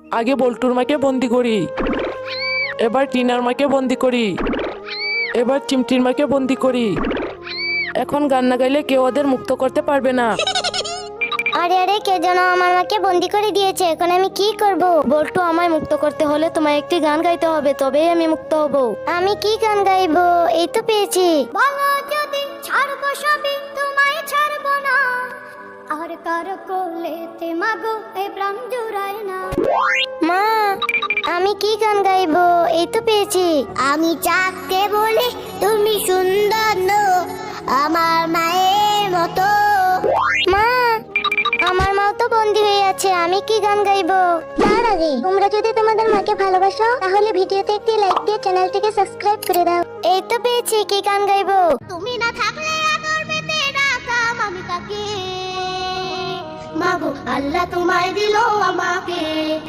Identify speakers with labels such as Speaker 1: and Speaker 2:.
Speaker 1: আগে বল্টুর মাকে বন্দি করি, এবার টিনার মাকে বন্দি করি, এবার চিমটির মাকে বন্দি করি। এখন গান না গাইলে কেউ ওদের মুক্ত করতে পারবে না।
Speaker 2: আরে আরে, কে যেন আমার মাকে বন্দি করে দিয়েছে, এখন আমি কি করব?
Speaker 3: বল্টু, আমায় মুক্ত করতে হলে তোমায় একটি গান গাইতে হবে, তবেই আমি মুক্ত হব।
Speaker 2: আমি কি গান গাইবো? এই তো পেয়েছি। বলো যদি ছাড়বো সবই, তোমায় ছাড়বো না, আর কার কোলেতে মাগো এই প্রাণ জুড়ায় না। মা, আমি কি গান গাইবো? এই তো পেয়েছি। আমি চাকতে বলি তুমি সুন্দর নও, আমার মায়ের মতো। মা, আমার মা তো বন্দি হয়ে আছে, আমি কি গান গাইবো? তার আগে তোমরা যদি তোমাদের মাকে ভালোবাসো তাহলে ভিডিওতে একটি লাইক দিয়ে চ্যানেলটিকে সাবস্ক্রাইব করে দাও। এই তো পেয়েছি, কি গান গাইবো? তুমি না থাকলে আদর পেতে ডাকাম আমি তাকে, মাগো আল্লাহ তোমায় দিলো আমাকে।